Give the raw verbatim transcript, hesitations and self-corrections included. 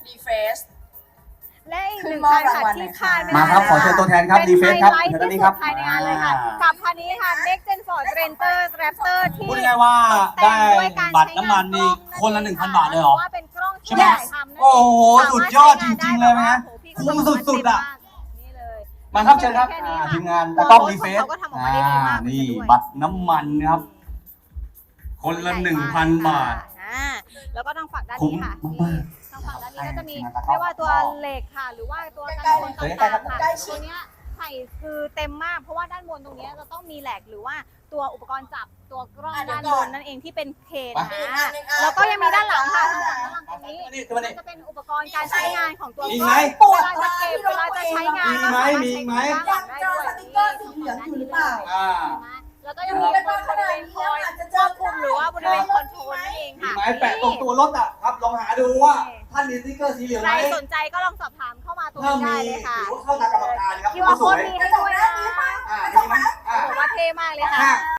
ดีเฟสและอีกหนึ่งคันค่ะที่คาดไม่ได้มาครับขอเชิญตัวแทนครับเป็นดีเฟสครับไฮไลท์เชิญด้านนี้ที่คสุรับดภายในงานเลยค่ะกับคันนี้ค่ะ Next Gen Ford Ranger Raptor ที่พูดง่ายๆว่าได้บัตรน้ำมันนี่คนละหนึ่งพันบาทเลยเหรอว่าเป็นกล้องใช่ไหมถ่ายทำนั่นเงโอ้โหสุดยอดจริงๆเลยไหมฮะสามารถใช้งานได้แบบว่าโอ้โหพี่คุ้มสุดๆอะนี่เลยมาครับเชิญครับแนี้อ่าค่ะทีมงานตากล้องดีเฟสเขาก็ทำออกมาได้ดีมากนี่ด้วยบัตรน้ำมันนะครับ คนละหนึ่งพันบาทอ่าแล้วก็ทางฝั่งด้านคุ้มนี้ค่ะมากทางฝั่งด้านนี้ก็จะมีให้ทีมงานตากล้องไม่ว่าตัวเหล็กค่ะ หรือว่าตัวกันชนต่างๆค่ะใกล้ๆตัวเนี้ยใส่คือเต็มมาก เพราะว่าด้านบนตรงเนี้ยจะต้องมีแหลกหรือว่าตัวอุปกรณ์จับตัวกล้องอ่ะเดี๋ด้ายวน ก่บอนนนั่นเองที่เป็นเคนไปนะแล้วก็ยังมีด้านหลังค่ะทางฝั่งด้านหลังตรงนี้นี่คือมันนี่จะเป็นอุปกรณ์การใช้งานของตัวมีกไหมล้องเวลาจะเก็บเวลาจะใช้งานมีไหมก็สาารถมีไหมใช้ด้านหลังได้ด้วยยังเจอสติ๊กเกอร์สีเหลืองอยู่หรือเปล่าอ่าแล้วก็ยังมีบริเวณคอยควบคุมหรือว่าบริเวณคอนโทรลนั่นเองมีค่ะไหมแปะตรงตัวรถอ่ะครับลองหาดูว่าท่านมีสติ๊กเกอร์สีเหลืองใคไหรมสนใจก็ลองสอบถามเข้ามาตรงถ้านี้มีได้เลยค่ะหรือว่าเข้าตากรรมการครับคิวอาร์สโค้วดยมีให้ด้วยนะอ่ามีไหมอ่าบอกว่าเท่มากเลยค่ะอ่า